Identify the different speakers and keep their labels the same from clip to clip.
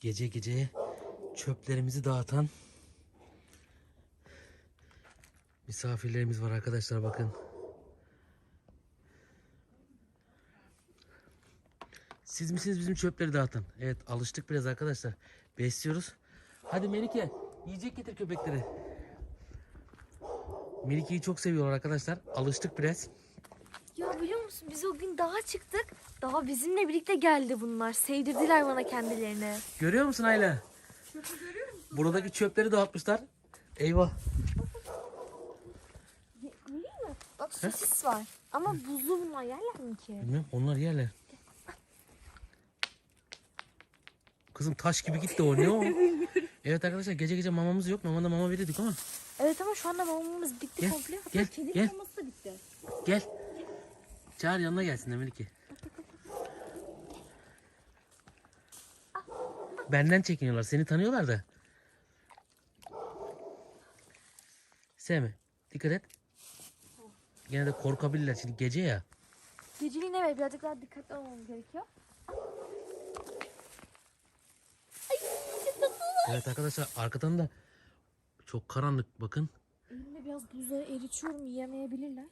Speaker 1: Gece gece çöplerimizi dağıtan misafirlerimiz var arkadaşlar, bakın. Siz misiniz bizim çöpleri dağıtan? Evet, alıştık biraz arkadaşlar. Besliyoruz. Hadi Melike, yiyecek getir köpekleri. Melike'yi çok seviyorlar arkadaşlar. Alıştık biraz.
Speaker 2: Ya biliyor musun, biz o gün dağa çıktık. Daha bizimle birlikte geldi bunlar. Sevdirdiler bana kendilerini.
Speaker 1: Görüyor musun Ayla?
Speaker 3: Çöpü görüyor musun?
Speaker 1: Buradaki çöpleri dağıtmışlar. Eyvah.
Speaker 2: Görüyor musun? Bak sosis var. Ama buzlu, bunlar yerler mi ki?
Speaker 1: Bilmem, onlar yerler. Kızım taş gibi gitti o, ne o? Evet arkadaşlar, gece gece mamamız yok. Mamada mama verirdik ama.
Speaker 2: Evet ama şu anda mamamız bitti
Speaker 1: Gel,
Speaker 2: komple.
Speaker 1: gel,
Speaker 3: Kedi
Speaker 1: gel,
Speaker 3: maması da bitti.
Speaker 1: gel. Çağır, yanına gelsin Melike. Benden çekiniyorlar. Seni tanıyorlar da. Sevme. Dikkat et. Gene de korkabilirler şimdi, gece ya.
Speaker 2: Geceliğin evet birazcık daha dikkatli olmamız gerekiyor. Ay çok tatlı.
Speaker 1: Evet arkadaşlar, arkadan da çok karanlık, bakın.
Speaker 2: Elimde biraz buzları eritiyorum, yiyemeyebilirler.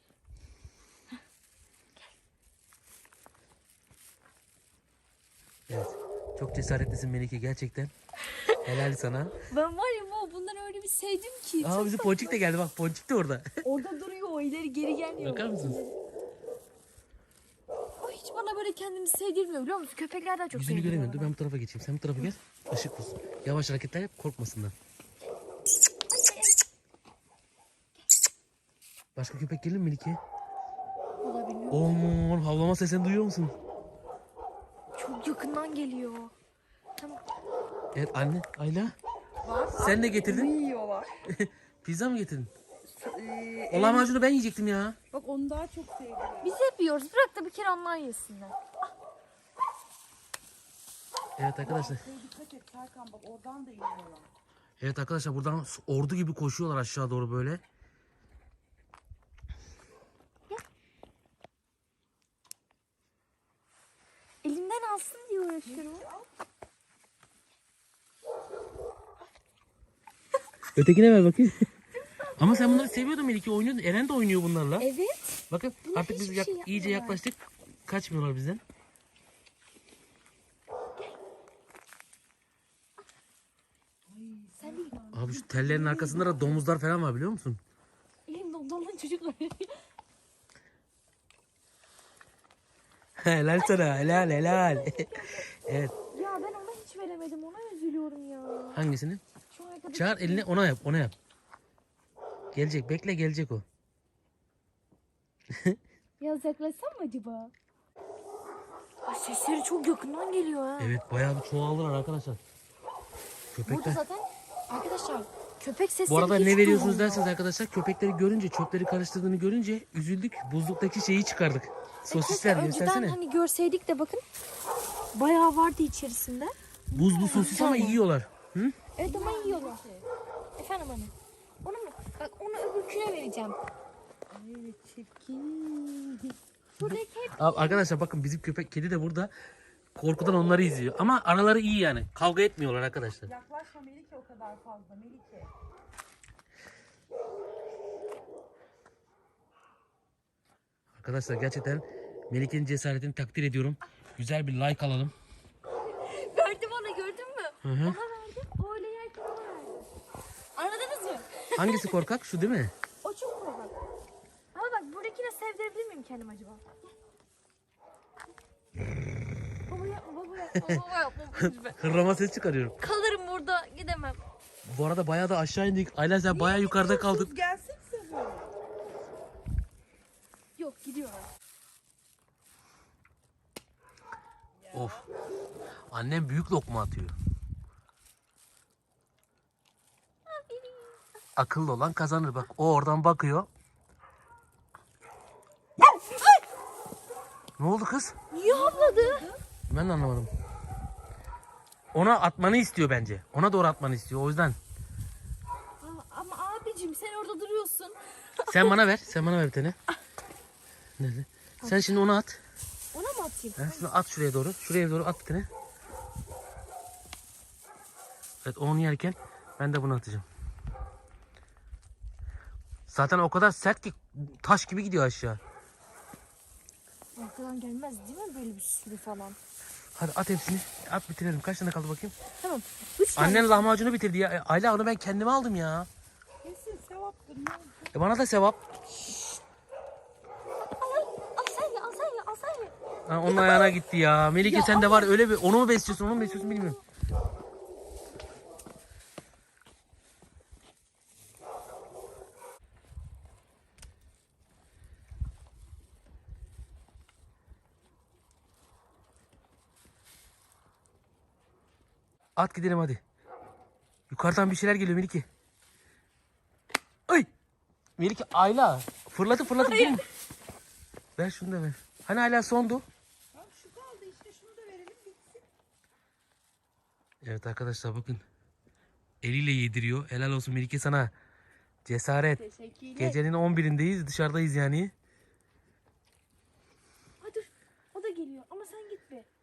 Speaker 1: Evet. Çok cesaretlisin Melike, gerçekten. Helal sana.
Speaker 2: Ben var ya bunları öyle bir sevdim ki.
Speaker 1: Aa, bizim Ponçik de geldi, bak Ponçik de orada.
Speaker 2: Orada duruyor, o ileri geri gelmiyor.
Speaker 1: Bakar mısınız?
Speaker 2: O hiç bana böyle kendimi sevdirmiyor, biliyor musun? Köpekler daha çok
Speaker 1: Yüzünü
Speaker 2: sevdiriyor
Speaker 1: göremiyorum. Dur
Speaker 2: bana.
Speaker 1: ben bu tarafa geçeyim. Sen bu tarafa gel. Işık olsun. Yavaş hareketler yap, korkmasınlar. Başka köpek gelir mi Melike?
Speaker 2: Valla bilmiyorum.
Speaker 1: Aman, havlama sesini duyuyor musun?
Speaker 2: Çok yakından geliyor. Tamam.
Speaker 1: Evet anne, Ayla.
Speaker 3: Var.
Speaker 1: Sen ne getirdin?
Speaker 3: Yiyorlar.
Speaker 1: Pizza mı getirdin? O lahmacunu ben yiyecektim ya.
Speaker 3: Bak onu daha çok sevdiler.
Speaker 2: Biz hep yiyoruz. Bırak da bir kere onlar yesinler.
Speaker 1: Evet arkadaşlar.
Speaker 3: Dikkat et Serkan, bak oradan da yiyorlar.
Speaker 1: Evet arkadaşlar, buradan ordu gibi koşuyorlar aşağı doğru böyle.
Speaker 2: Elimden alsın diye uğraşıyorum.
Speaker 1: Ötekine ver bakayım. Ama sen bunları seviyordun Melike, oynuyordun. Eren de oynuyor bunlarla.
Speaker 2: Evet.
Speaker 1: Bakın artık biz
Speaker 2: hiçbir şey
Speaker 1: iyice
Speaker 2: yapmıyorlar.
Speaker 1: yaklaştık. Kaçmıyorlar bizden.
Speaker 2: Sen değil.
Speaker 1: Abi şu tellerin arkasında da domuzlar falan var, biliyor musun?
Speaker 2: Elimde ondan çocuklar.
Speaker 1: Helal sana, helal helal. Evet,
Speaker 2: Ya ben ona hiç veremedim. Ona üzülüyorum ya.
Speaker 1: hangisini?
Speaker 2: Şu arkadaş.
Speaker 1: Çağır elini, ona yap, ona yap. Gelecek, bekle, gelecek o.
Speaker 2: Biraz yaklaşsam mı acaba? Ay, sesleri çok yakından geliyor ha.
Speaker 1: Evet, bayağı bir çoğaldılar arkadaşlar.
Speaker 2: Burada
Speaker 1: Köpekler.
Speaker 2: zaten arkadaşlar köpek sesleri
Speaker 1: Bu arada
Speaker 2: hiç
Speaker 1: ne veriyorsunuz
Speaker 2: duyulmuyor.
Speaker 1: derseniz arkadaşlar, köpekleri görünce, çöpleri karıştırdığını görünce üzüldük. Buzluktaki şeyi çıkardık. Sosisler,
Speaker 2: Keşke önceden
Speaker 1: göstersene.
Speaker 2: hani görseydik de bakın. Bayağı vardı içerisinde.
Speaker 1: Buzlu sosis ama yiyorlar. Hı?
Speaker 2: Evet ama yiyorlar. Efendim anne. Onu mu? Bak onu öbürküne vereceğim.
Speaker 3: Ay çirkin.
Speaker 2: Buradaki hep
Speaker 1: Arkadaşlar bakın, bizim köpek, kedi de burada. Korkudan onları izliyor. Ama araları iyi yani. Kavga etmiyorlar arkadaşlar.
Speaker 3: Yaklaşma Melike o kadar fazla Melike.
Speaker 1: Arkadaşlar gerçekten Melike'nin cesaretini takdir ediyorum. Güzel bir like alalım.
Speaker 2: verdi bana, gördün mü?
Speaker 1: Hı hı.
Speaker 2: Ona verdi. O öyle yerken ona verdi. Anladınız mı?
Speaker 1: Hangisi korkak? Şu değil mi?
Speaker 2: O çok korkak. Ama bak buradakine sevdirebilir miyim kendim acaba? Baba yapma, baba yapma, baba yapma lütfen.
Speaker 1: Hırlama ses çıkarıyorum.
Speaker 2: Kalırım burada, gidemem.
Speaker 1: Bu arada bayağı da aşağı indik. Ayla sen bayağı yukarıda kaldın.
Speaker 3: Gelsenize böyle.
Speaker 2: Yok, gidiyorlar.
Speaker 1: Of. Annem büyük lokma atıyor. Akıllı olan kazanır bak. O oradan bakıyor. Ne oldu kız?
Speaker 2: Niye havladı?
Speaker 1: Ben de anlamadım. Ona atmanı istiyor bence. Ona doğru atmanı istiyor. O yüzden.
Speaker 2: Ama abicim sen orada duruyorsun.
Speaker 1: Sen bana ver. Sen bana ver bir tane. Nerede? Sen şimdi onu at.
Speaker 2: Ona mı atayım?
Speaker 1: Ha, şunu at şuraya doğru. Şuraya doğru at bir tane. Evet, onu yerken ben de bunu atacağım. Zaten o kadar sert ki taş gibi gidiyor aşağı.
Speaker 2: Arkadan gelmez değil mi böyle bir sürü falan?
Speaker 1: Hadi at hepsini. At bitirelim. Kaç tane kaldı bakayım?
Speaker 2: Tamam. 3 tane.
Speaker 1: Annen lahmacunu bitirdi ya. Ayla onu ben kendime aldım ya.
Speaker 3: Kesin sevaptır. Ne oldu?
Speaker 1: Bana da sevap.
Speaker 2: Al sen ye, al sen ye, al sen ye.
Speaker 1: Ha, onun ayağına gitti ya. Melike sen de var öyle bir onu mu besliyorsun onu mu besliyorsun bilmiyorum. At gidelim hadi. Yukarıdan bir şeyler geliyor Melike. Ay! Melike Ayla. Fırlatıp durma. Ver şunu da ver. Hani hala sondu.
Speaker 3: Ya şu kaldı işte, şunu da verelim bitsin.
Speaker 1: Evet arkadaşlar bakın. Eliyle yediriyor. Helal olsun Melike sana. Cesaret.
Speaker 3: Teşekkürler.
Speaker 1: Gecenin 11'indeyiz. Dışarıdayız yani.
Speaker 2: Ay dur. O da geliyor ama sen git be.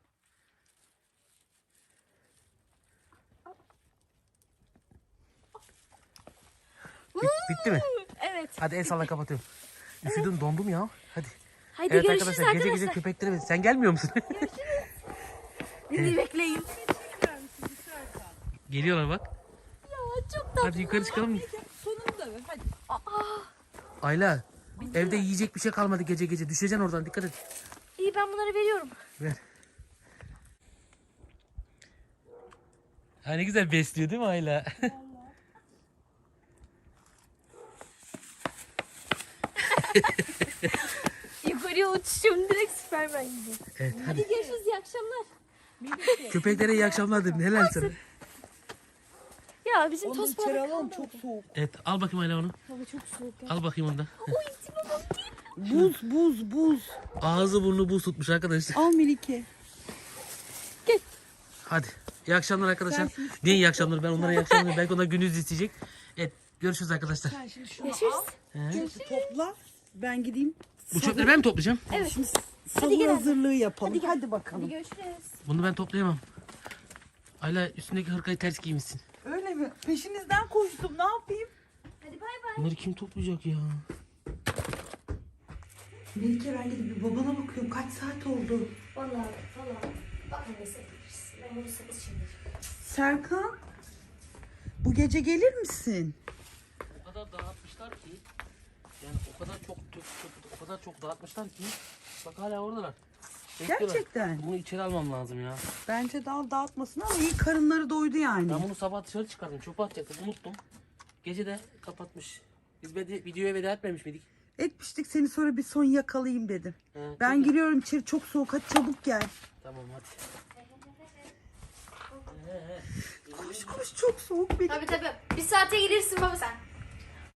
Speaker 1: Bitti mi?
Speaker 2: Evet.
Speaker 1: Hadi el salla kapatıyorum. Üşüdüm dondum ya. Hadi.
Speaker 2: Haydi
Speaker 1: Evet
Speaker 2: görüşürüz
Speaker 1: arkadaşlar
Speaker 2: arkadaşlar.
Speaker 1: gece köpekleri sen gelmiyor musun?
Speaker 2: Beni bekleyin.
Speaker 1: Geliyorlar bak.
Speaker 2: Ya çok tatlı.
Speaker 1: Hadi yukarı çıkalım.
Speaker 3: Melike sonunu da ver hadi.
Speaker 1: Ayla evde yiyecek bir şey kalmadı gece. Düşeceksin oradan dikkat et.
Speaker 2: İyi ben bunları veriyorum.
Speaker 1: Ver. Ha, ne güzel besliyor değil mi Ayla?
Speaker 2: Yukarıya uçuşuyorum direkt Süpermen gibi.
Speaker 1: Evet hadi.
Speaker 2: Hadi görüşürüz iyi akşamlar.
Speaker 3: Melike.
Speaker 1: Köpeklere iyi akşamlar dedim. Helal sana.
Speaker 2: Ya bizim
Speaker 3: Onu
Speaker 2: toz
Speaker 3: içeri
Speaker 2: balık
Speaker 3: alalım,
Speaker 2: kaldı.
Speaker 3: çok soğuk.
Speaker 1: Evet al bakayım Ayla onu.
Speaker 2: Hava çok soğuk ya.
Speaker 1: Al bakayım onu da.
Speaker 3: Buz.
Speaker 1: Ağzı burnu buz tutmuş arkadaşlar.
Speaker 3: Al Melike.
Speaker 1: Hadi. İyi akşamlar arkadaşlar.
Speaker 3: Sen şimdi
Speaker 1: Niye iyi akşamlar? Ben onlara iyi akşamlar. Belki onlar gündüz isteyecek. Evet. Görüşürüz arkadaşlar.
Speaker 3: Sen şimdi şunu
Speaker 2: Görüşürüz.
Speaker 3: al. Topla. Ben gideyim.
Speaker 1: Bu çöpleri ben mi toplayacağım?
Speaker 2: Evet.
Speaker 3: Şimdi
Speaker 2: Hadi
Speaker 3: sahur
Speaker 2: gel.
Speaker 3: hazırlığı yapalım.
Speaker 2: Hadi
Speaker 3: Hadi,
Speaker 2: gel.
Speaker 3: bakalım.
Speaker 2: Hadi görüşürüz.
Speaker 1: Bunu ben toplayamam. Ayla üstündeki hırkayı ters giymişsin.
Speaker 3: Öyle mi? Peşinizden koştum. Ne yapayım?
Speaker 2: Hadi bay bay.
Speaker 1: Bunları kim toplayacak ya?
Speaker 3: Melike ben gidip bir babana bakıyorum. Kaç saat oldu?
Speaker 2: Vallahi bak ne sevdiriz. Ben bunu sana şimdi.
Speaker 3: Serkan. Bu gece gelir misin?
Speaker 1: O kadar dağıtmışlar ki. Yani o kadar çok dağıtmışlar ki. Bak hala oradalar. Bekliyorlar.
Speaker 3: Gerçekten.
Speaker 1: Bunu içeri almam lazım ya.
Speaker 3: Bence dağıtmasın ama iyi karınları doydu yani.
Speaker 1: Ben bunu sabah dışarı çıkardım. Çöpe atacaktım. Unuttum. Gece de kapatmış. Biz videoya veda etmemiş miydik?
Speaker 3: Etmiştik seni, sonra bir son yakalayayım dedim.
Speaker 1: He,
Speaker 3: Ben
Speaker 1: çok-
Speaker 3: giriyorum içeri, çok soğuk, hadi çabuk gel.
Speaker 1: Tamam hadi.
Speaker 3: Koş çok soğuk.
Speaker 2: Tabii. Bir saate gelirsin baba sen.